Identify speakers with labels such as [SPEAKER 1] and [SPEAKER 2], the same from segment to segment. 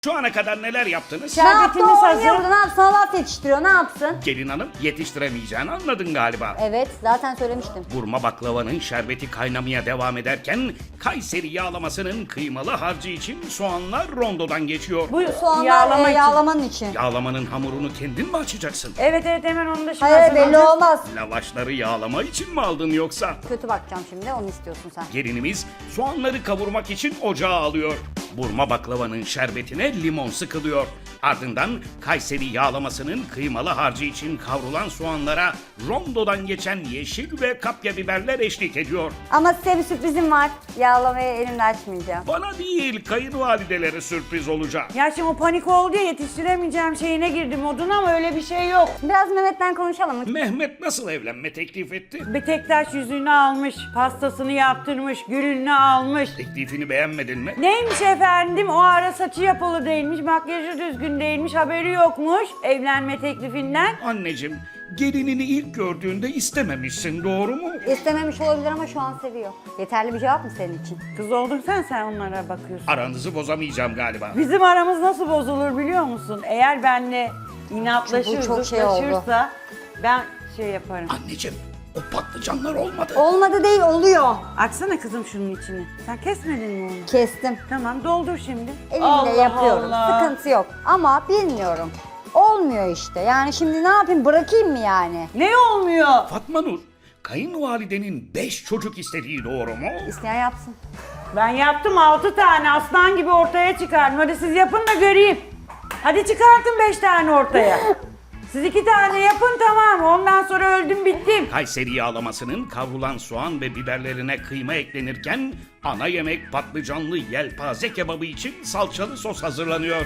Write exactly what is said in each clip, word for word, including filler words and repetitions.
[SPEAKER 1] Şu ana kadar neler yaptınız?
[SPEAKER 2] Ne yaptı
[SPEAKER 3] Şerbetimiz
[SPEAKER 2] o
[SPEAKER 3] hazır.
[SPEAKER 2] oynuyor burada, ne yapsın, salat yetiştiriyor, ne yapsın?
[SPEAKER 1] Gelin hanım yetiştiremeyeceğini anladın galiba.
[SPEAKER 2] Evet, zaten söylemiştim.
[SPEAKER 1] Burma baklavanın şerbeti kaynamaya devam ederken Kayseri yağlamasının kıymalı harcı için soğanlar rondodan geçiyor.
[SPEAKER 3] Bu
[SPEAKER 2] Soğanlar
[SPEAKER 3] yağlama
[SPEAKER 2] e,
[SPEAKER 3] için.
[SPEAKER 2] yağlamanın için.
[SPEAKER 1] Yağlamanın hamurunu kendin mi açacaksın?
[SPEAKER 3] Evet evet hemen onu da şimdi
[SPEAKER 2] Hayır, belli
[SPEAKER 3] hazırlayacağız.
[SPEAKER 2] olmaz.
[SPEAKER 1] Lavaşları yağlama için mi aldın yoksa?
[SPEAKER 2] Kötü bakacağım şimdi, onu istiyorsun sen.
[SPEAKER 1] Gelinimiz soğanları kavurmak için ocağa alıyor. Burma baklavanın şerbetine limon sıkılıyor. Ardından Kayseri yağlamasının kıymalı harcı için kavrulan soğanlara rondodan geçen yeşil ve kapya biberler eşlik ediyor.
[SPEAKER 2] Ama size bir sürprizim var. Yağlamayı elimle açmayacağım.
[SPEAKER 1] Bana değil kayınvalidelere sürpriz olacak.
[SPEAKER 3] Ya şimdi o panik oldu ya yetiştiremeyeceğim şeyine girdim moduna ama öyle bir şey yok.
[SPEAKER 2] Biraz Mehmet'ten konuşalım mı?
[SPEAKER 1] Mehmet nasıl evlenme teklif etti?
[SPEAKER 3] Bir tek taş yüzüğünü almış, pastasını yaptırmış, gülünü almış.
[SPEAKER 1] Teklifini beğenmedin mi?
[SPEAKER 3] Neymiş efendim o ara saçı yapılı değilmiş, makyajı düzgün değilmiş, haberi yokmuş evlenme teklifinden.
[SPEAKER 1] Anneciğim, gelinini ilk gördüğünde istememişsin, doğru mu?
[SPEAKER 2] İstememiş olabilir ama şu an seviyor. Yeterli bir cevap mı senin için?
[SPEAKER 3] Kız oldun sen sen onlara bakıyorsun.
[SPEAKER 1] Aranızı bozamayacağım galiba.
[SPEAKER 3] Bizim aramız nasıl bozulur biliyor musun? Eğer benle inatlaşır,
[SPEAKER 2] Bu çok şey oldu.
[SPEAKER 3] zıtlaşırsa ben şey yaparım.
[SPEAKER 1] Anneciğim, o patlıcanlar olmadı.
[SPEAKER 2] Olmadı değil, oluyor.
[SPEAKER 3] Açsana kızım şunun içini. Sen kesmedin mi onu?
[SPEAKER 2] Kestim.
[SPEAKER 3] Tamam doldur şimdi.
[SPEAKER 2] Elimle
[SPEAKER 3] Allah
[SPEAKER 2] yapıyorum.
[SPEAKER 3] Allah.
[SPEAKER 2] Sıkıntı yok. Ama bilmiyorum. Olmuyor işte. Yani şimdi ne yapayım? Bırakayım mı yani?
[SPEAKER 3] Ne olmuyor?
[SPEAKER 1] Fatma Nur, kayınvalidenin beş çocuk istediği doğru mu?
[SPEAKER 2] İsteyen yapsın.
[SPEAKER 3] Ben yaptım altı tane aslan gibi ortaya çıkardım. Hadi siz yapın da göreyim. Hadi çıkartın beş tane ortaya. Siz iki tane yapın tamam. Ondan sonra öldüm bittim.
[SPEAKER 1] Kayseri yağlamasının kavrulan soğan ve biberlerine kıyma eklenirken ana yemek patlıcanlı yelpaze kebabı için salçalı sos hazırlanıyor.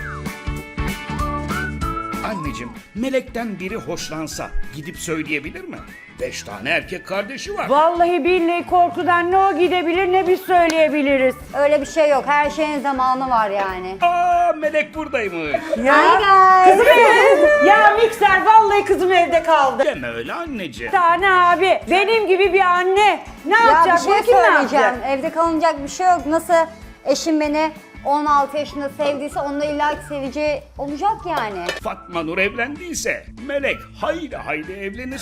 [SPEAKER 1] Anneciğim, Melek'ten biri hoşlansa gidip söyleyebilir mi? Beş tane erkek kardeşi var.
[SPEAKER 3] Vallahi billahi korkudan ne o gidebilir ne biz söyleyebiliriz.
[SPEAKER 2] Öyle bir şey yok. Her şeyin zamanı var yani.
[SPEAKER 1] Aa, Melek buradaymış.
[SPEAKER 3] Ya.
[SPEAKER 2] Hi guys.
[SPEAKER 3] Kızım evde. Ya mikser vallahi kızım evde kaldı.
[SPEAKER 1] Deme öyle anneciğim.
[SPEAKER 3] Bir tane abi benim gibi bir anne ne
[SPEAKER 2] Ya
[SPEAKER 3] yapacak?
[SPEAKER 2] bir şey
[SPEAKER 3] Bu kim ne
[SPEAKER 2] söyleyeceğim.
[SPEAKER 3] yapacak?
[SPEAKER 2] Evde kalınacak bir şey yok. Nasıl eşim beni on altı yaşında sevdiyse onunla illa seveceği olacak yani.
[SPEAKER 1] Fatma Nur evlendiyse Melek hayli hayli evlenir.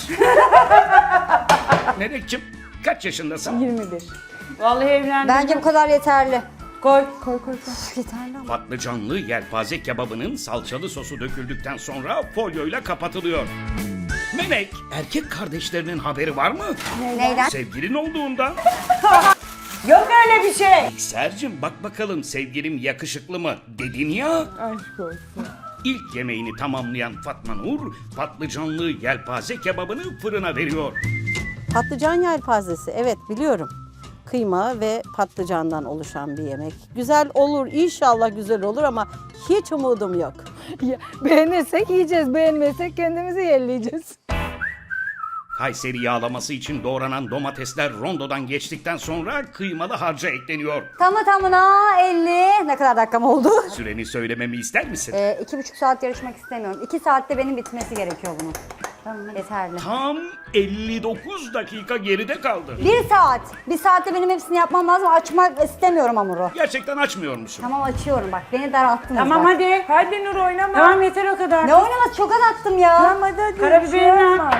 [SPEAKER 1] Melek'ciğim kaç yaşındasın?
[SPEAKER 3] yirmi bir. Vallahi evlendim.
[SPEAKER 2] Bence bu kadar yeterli.
[SPEAKER 3] Koy. Koy koy koy.
[SPEAKER 2] Üf, yeterli ama.
[SPEAKER 1] Patlıcanlı yelpaze kebabının salçalı sosu döküldükten sonra folyoyla kapatılıyor. Melek, erkek kardeşlerinin haberi var mı?
[SPEAKER 2] Neyden?
[SPEAKER 1] Sevgilin olduğundan.
[SPEAKER 3] Yok öyle bir şey.
[SPEAKER 1] Sercim bak bakalım sevgilim yakışıklı mı dedin ya.
[SPEAKER 3] Aşk olsun.
[SPEAKER 1] İlk yemeğini tamamlayan Fatma Nur patlıcanlı yelpaze kebabını fırına veriyor.
[SPEAKER 4] Patlıcan yelpazesi, evet biliyorum. Kıyma ve patlıcandan oluşan bir yemek. Güzel olur, inşallah güzel olur ama hiç umudum yok.
[SPEAKER 5] Ya, beğenirsek yiyeceğiz, beğenmezsek kendimizi yerleyeceğiz.
[SPEAKER 1] Kayseri yağlaması için doğranan domatesler rondodan geçtikten sonra kıymalı harca ekleniyor.
[SPEAKER 2] Tamı tamına elli. Ne kadar dakikam oldu?
[SPEAKER 1] Süreni söylememi ister misin?
[SPEAKER 2] Ee, iki buçuk saat yarışmak istemiyorum. İki saatte benim bitmesi gerekiyor bunun. Tamam. Yeterli.
[SPEAKER 1] Tam elli dokuz dakika geride kaldı.
[SPEAKER 2] Bir saat. Bir saatte benim hepsini yapmam lazım. Açmak istemiyorum hamuru.
[SPEAKER 1] Gerçekten açmıyor musun?
[SPEAKER 2] Tamam açıyorum bak. Beni daralttınız
[SPEAKER 3] Tamam
[SPEAKER 2] bak.
[SPEAKER 3] hadi.
[SPEAKER 5] Hadi Nur oynama.
[SPEAKER 3] Tamam yeter o kadar.
[SPEAKER 2] Ne oynaması, çok azalttım ya.
[SPEAKER 5] Tamam hadi hadi.
[SPEAKER 3] Karabiberini
[SPEAKER 5] Şey
[SPEAKER 3] at.
[SPEAKER 5] yapma.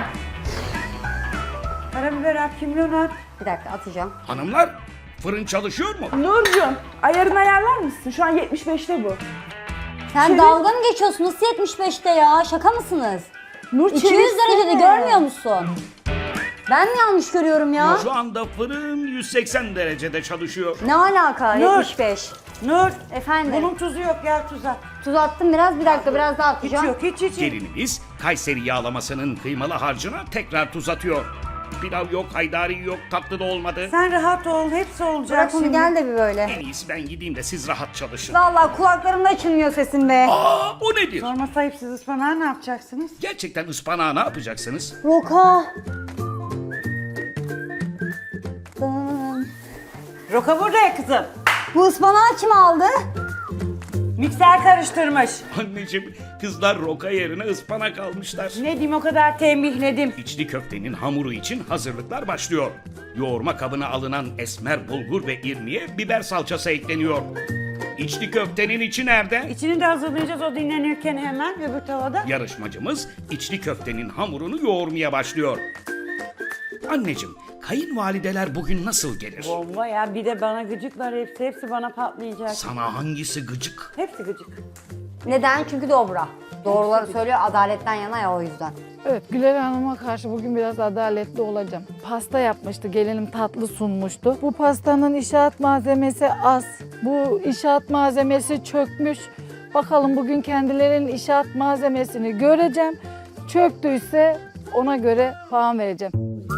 [SPEAKER 3] Karabiber at, kimyon at.
[SPEAKER 2] Bir dakika atacağım.
[SPEAKER 1] Hanımlar fırın çalışıyor mu?
[SPEAKER 5] Nurcuğum ayarını ayarlar mısın? Şu an yetmiş beşte bu.
[SPEAKER 2] Sen
[SPEAKER 5] Çevir.
[SPEAKER 2] dalga mı geçiyorsun? Nasıl yetmiş beşte ya? Şaka mısınız?
[SPEAKER 5] Nur
[SPEAKER 2] iki yüz derecede
[SPEAKER 5] çevirsene.
[SPEAKER 2] görmüyor musun? Ben mi yanlış görüyorum ya?
[SPEAKER 1] Şu anda fırın yüz seksen derecede çalışıyor.
[SPEAKER 2] Ne alaka?
[SPEAKER 3] Nur.
[SPEAKER 2] yetmiş beş.
[SPEAKER 3] Nur.
[SPEAKER 2] Efendim?
[SPEAKER 3] Bunun tuzu yok gel tuz at.
[SPEAKER 2] Tuz attım biraz. Bir dakika biraz daha
[SPEAKER 3] Hiç
[SPEAKER 2] atacağım.
[SPEAKER 3] yok hiç hiç. hiç.
[SPEAKER 1] Gelinimiz Kayseri yağlamasının kıymalı harcına tekrar tuz atıyor. Pilav yok, haydari yok, tatlı da olmadı.
[SPEAKER 3] Sen rahat ol hepsi olacak
[SPEAKER 2] Bırak onu
[SPEAKER 3] şimdi.
[SPEAKER 2] gel de bir böyle.
[SPEAKER 1] En iyisi ben gideyim de siz rahat çalışın.
[SPEAKER 2] Vallahi kulaklarımda açılmıyor sesin be.
[SPEAKER 1] Aa, o nedir?
[SPEAKER 3] Sorma sahip siz ıspanağı ne yapacaksınız?
[SPEAKER 1] Gerçekten ıspanağı ne yapacaksınız?
[SPEAKER 2] Roka.
[SPEAKER 3] Roka burada ya kızım.
[SPEAKER 2] Bu ıspanağı kim aldı?
[SPEAKER 3] Mikser karıştırmış.
[SPEAKER 1] Anneciğim, kızlar roka yerine ıspanak almışlar.
[SPEAKER 3] Ne diyeyim o kadar tembihledim.
[SPEAKER 1] İçli köftenin hamuru için hazırlıklar başlıyor. Yoğurma kabına alınan esmer bulgur ve irmiye biber salçası ekleniyor. İçli köftenin içi nerede?
[SPEAKER 3] İçini de hazırlayacağız o dinlenirken hemen öbür tavada.
[SPEAKER 1] Yarışmacımız içli köftenin hamurunu yoğurmaya başlıyor. Anneciğim, kayınvalideler bugün nasıl gelir?
[SPEAKER 3] Bomba ya, bir de bana gıcıklar hepsi, hepsi bana patlayacak.
[SPEAKER 1] Sana hangisi gıcık?
[SPEAKER 3] Hepsi gıcık.
[SPEAKER 2] Neden? Çünkü dobra. Doğruları söylüyor, adaletten yana ya, o yüzden.
[SPEAKER 5] Evet, Güler Hanım'a karşı bugün biraz adaletli olacağım. Pasta yapmıştı, gelinim tatlı sunmuştu. Bu pastanın inşaat malzemesi az. Bu inşaat malzemesi çökmüş. Bakalım bugün kendilerinin inşaat malzemesini göreceğim. Çöktüyse ona göre puan vereceğim.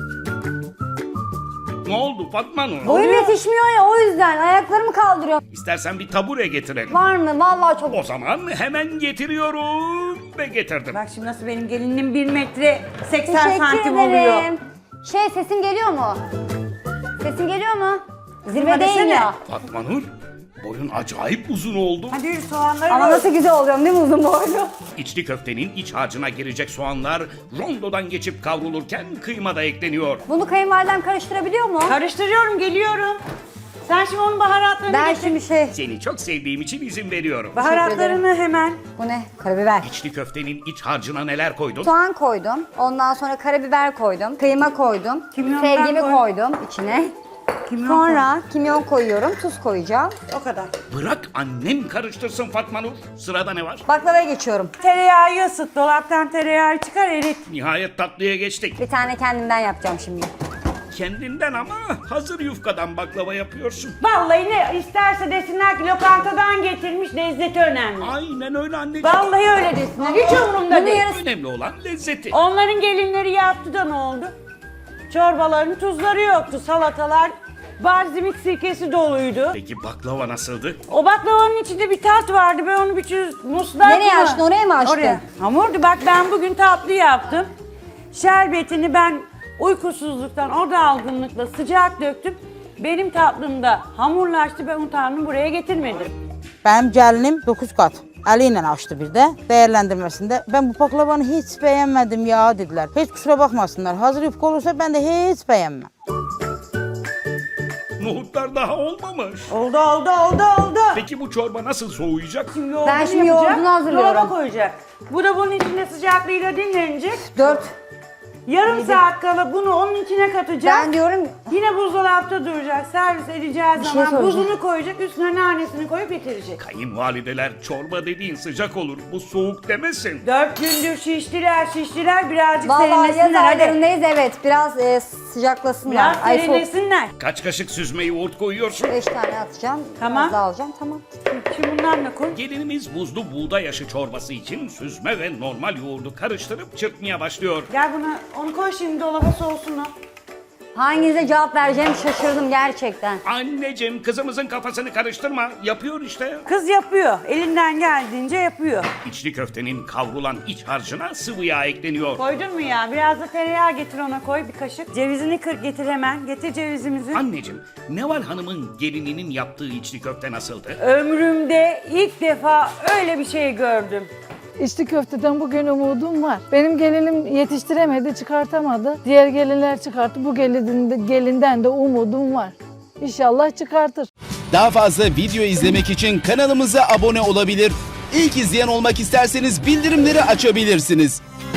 [SPEAKER 1] Ne oldu Fatma Nur?
[SPEAKER 2] Boyum yetişmiyor ya, o yüzden ayaklarımı kaldırıyorum.
[SPEAKER 1] İstersen bir tabure getirelim.
[SPEAKER 2] Var mı? Vallahi çok.
[SPEAKER 1] O zaman hemen getiriyorum ve getirdim.
[SPEAKER 3] Bak şimdi nasıl benim gelinim bir metre seksen
[SPEAKER 2] Teşekkür
[SPEAKER 3] santim
[SPEAKER 2] ederim.
[SPEAKER 3] oluyor.
[SPEAKER 2] Şey, sesim geliyor mu? Sesim geliyor mu? Zirvedeyim
[SPEAKER 3] desene.
[SPEAKER 2] ya.
[SPEAKER 1] Fatma Nur, boyun acayip uzun oldu.
[SPEAKER 3] Hadi yürü soğanları
[SPEAKER 2] Ama
[SPEAKER 3] koy.
[SPEAKER 2] nasıl güzel oluyorum değil mi uzun boylu?
[SPEAKER 1] İçli köftenin iç harcına girecek soğanlar rondodan geçip kavrulurken kıyma da ekleniyor.
[SPEAKER 2] Bunu kayınvalidem karıştırabiliyor mu?
[SPEAKER 3] Karıştırıyorum, geliyorum. Sen şimdi onun baharatlarını
[SPEAKER 2] Ben
[SPEAKER 3] getir.
[SPEAKER 2] şimdi şey...
[SPEAKER 1] Seni çok sevdiğim için izin veriyorum.
[SPEAKER 3] Baharatlarını hemen.
[SPEAKER 2] Bu ne? Karabiber.
[SPEAKER 1] İçli köftenin iç harcına neler koydun?
[SPEAKER 2] Soğan koydum. Ondan sonra karabiber koydum. Kıyma koydum.
[SPEAKER 3] Kimyondan
[SPEAKER 2] Sevgimi
[SPEAKER 3] koy.
[SPEAKER 2] koydum içine.
[SPEAKER 3] Kimyon
[SPEAKER 2] Sonra kimyon koyuyorum. Tuz koyacağım.
[SPEAKER 3] O kadar.
[SPEAKER 1] Bırak annem karıştırsın Fatma Nur. Sırada ne var?
[SPEAKER 2] Baklavaya geçiyorum.
[SPEAKER 3] Tereyağı ısıt, dolaptan tereyağı çıkar, erit.
[SPEAKER 1] Nihayet tatlıya geçtik.
[SPEAKER 2] Bir tane kendimden yapacağım şimdi.
[SPEAKER 1] Kendinden ama hazır yufkadan baklava yapıyorsun.
[SPEAKER 3] Vallahi ne isterse desinler ki lokantadan getirmiş, lezzeti önemli.
[SPEAKER 1] Aynen öyle anneciğim.
[SPEAKER 3] Vallahi öyle desinler, hiç umurumda
[SPEAKER 2] Bunun
[SPEAKER 3] değil.
[SPEAKER 2] yarısı-
[SPEAKER 1] Önemli olan lezzeti.
[SPEAKER 3] Onların gelinleri yaptı da ne oldu? Çorbaların tuzları yoktu, salatalar barzimik sirkesi doluydu.
[SPEAKER 1] Peki baklava nasıldı?
[SPEAKER 3] O baklavanın içinde bir tat vardı, ben onu bir çöz muslak
[SPEAKER 2] Nereye
[SPEAKER 3] mı?
[SPEAKER 2] açtın, oraya mı açtın?
[SPEAKER 3] Oraya. Hamurdu, bak ben bugün tatlı yaptım. Şerbetini ben uykusuzluktan, o dalgınlıkla sıcak döktüm. Benim tatlımda hamurlaştı, ben o tatlımı buraya getirmedim.
[SPEAKER 6] Benim gəlinim dokuz kat əli ilə açdı bir də dəyərləndirməsində. Ben bu baklavanı heç bəyənmədim ya dediler. Heç kusura bakmasınlar. Hazır yufka olursa ben de heç bəyənməm.
[SPEAKER 1] Nohutlar daha olmamış.
[SPEAKER 3] Oldu, oldu, oldu, oldu.
[SPEAKER 1] Peki bu çorba nasıl soğuyacak?
[SPEAKER 3] Şimdi yoğurdunu
[SPEAKER 2] Ben şimdi
[SPEAKER 3] yapacak,
[SPEAKER 2] yoğurdunu hazırlıyorum.
[SPEAKER 3] dolaba koyacak. Bu da bunun içinde sıcaklığıyla dinlenecek.
[SPEAKER 2] Dört.
[SPEAKER 3] Yarım saat kala bunu onun içine katacak.
[SPEAKER 2] Ben diyorum
[SPEAKER 3] Yine buzdolapta duracak. Servis edeceği
[SPEAKER 2] şey
[SPEAKER 3] zaman
[SPEAKER 2] soracağım.
[SPEAKER 3] buzunu koyacak, üstüne nanesini koyup bitirecek.
[SPEAKER 1] Kayınvalideler çorba dediğin sıcak olur. Bu soğuk demesin.
[SPEAKER 3] Dört gündür şiştiler, şiştiler. Birazcık
[SPEAKER 2] vallahi yaz
[SPEAKER 3] serinlesinler hadi.
[SPEAKER 2] aylarındayız, evet. Biraz e, sıcaklasınlar.
[SPEAKER 3] Biraz
[SPEAKER 2] Ay, soğuk.
[SPEAKER 3] serinlesinler.
[SPEAKER 1] Kaç kaşık süzme yoğurt koyuyorsun?
[SPEAKER 2] Beş tane atacağım.
[SPEAKER 3] Tamam.
[SPEAKER 2] Biraz daha alacağım. Tamam.
[SPEAKER 3] Şimdi bundan da koy.
[SPEAKER 1] Gelinimiz buzlu buğday aşı çorbası için süzme ve normal yoğurdu karıştırıp çırpmaya başlıyor.
[SPEAKER 3] Gel buna, onu koy şimdi dolaba soğusun o.
[SPEAKER 2] Hanginize cevap vereceğim şaşırdım gerçekten.
[SPEAKER 1] Anneciğim kızımızın kafasını karıştırma. Yapıyor işte.
[SPEAKER 3] Kız yapıyor. Elinden geldiğince yapıyor.
[SPEAKER 1] İçli köftenin kavrulan iç harcına sıvı yağ ekleniyor.
[SPEAKER 3] Koydun mu ya? Biraz da tereyağı getir ona koy bir kaşık. Cevizini kır getir hemen. Getir cevizimizi.
[SPEAKER 1] Anneciğim, Neval Hanım'ın gelininin yaptığı içli köfte nasıldı?
[SPEAKER 3] Ömrümde ilk defa öyle bir şey gördüm.
[SPEAKER 5] İçli köfteden bugün umudum var. Benim gelinim yetiştiremedi, çıkartamadı. Diğer gelinler çıkarttı. Bu gelin, gelinden de umudum var. İnşallah çıkartır.
[SPEAKER 7] Daha fazla video izlemek için kanalımıza abone olabilir. İlk izleyen olmak isterseniz bildirimleri açabilirsiniz.